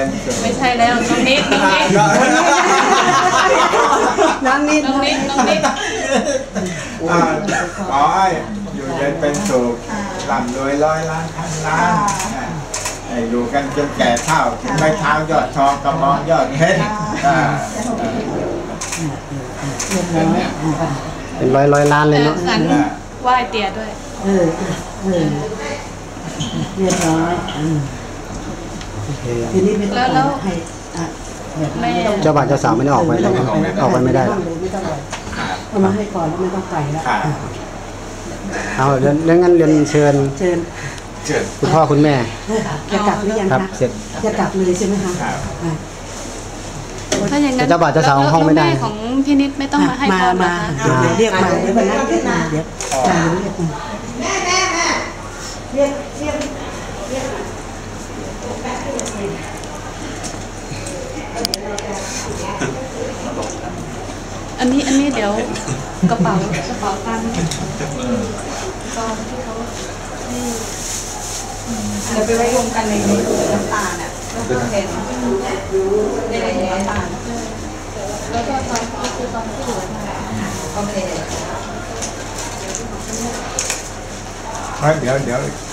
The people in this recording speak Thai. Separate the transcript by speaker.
Speaker 1: เป็นสุข
Speaker 2: ไม่ใช่แล้วน้องนิด
Speaker 3: น้องนิด
Speaker 1: ขอให้อยู่เย็นเป็นสุขร่ำรวยร้อยล้านพันล้านอยู่กันจนแก่เฒ่าไม่เท้ายอดทองกระมองยอดเพชร
Speaker 4: เป็นร้อยล้านเลยเนาะ
Speaker 2: ไหว้เตี๋ยด้วย
Speaker 3: เรียบร้อยทีนี้ไม่ต้องให้
Speaker 4: เจ้าบ่าวเจ้าสาวไม่ได้ออกไปเลยออกไปไม่ได้
Speaker 3: เอามาให้ก่อนแล้วไม่ต้องไปแล้ว
Speaker 4: เอาเรื่องงั้นเรียนเชิญคุณพ่อคุณแม่
Speaker 3: จะกลับหรือยังคะ
Speaker 4: เสร็จ
Speaker 3: จะกลับเลยใช่ไหมคะ
Speaker 2: ถ้าอย่างนั้น
Speaker 4: เจ้าบ่าวเจ้าสาวห้องไม่ได้
Speaker 2: ของพี่นิดไม่ต้องมาให้พร
Speaker 3: มาเรียกมาเดี๋ยววันนั้นเรียกมาเดี๋ยวเรียกมาเรียก
Speaker 2: อันนี้เดี๋ยวกระเป๋าตังค์ตอนที่เขาเดี๋ยวไปไว้รวมกันในน้ำตาลอ่ะแล้วก็เห็นในน้ำตาลแล้วก็ตอนที่เหลือมาโอเค
Speaker 1: เดี๋ยว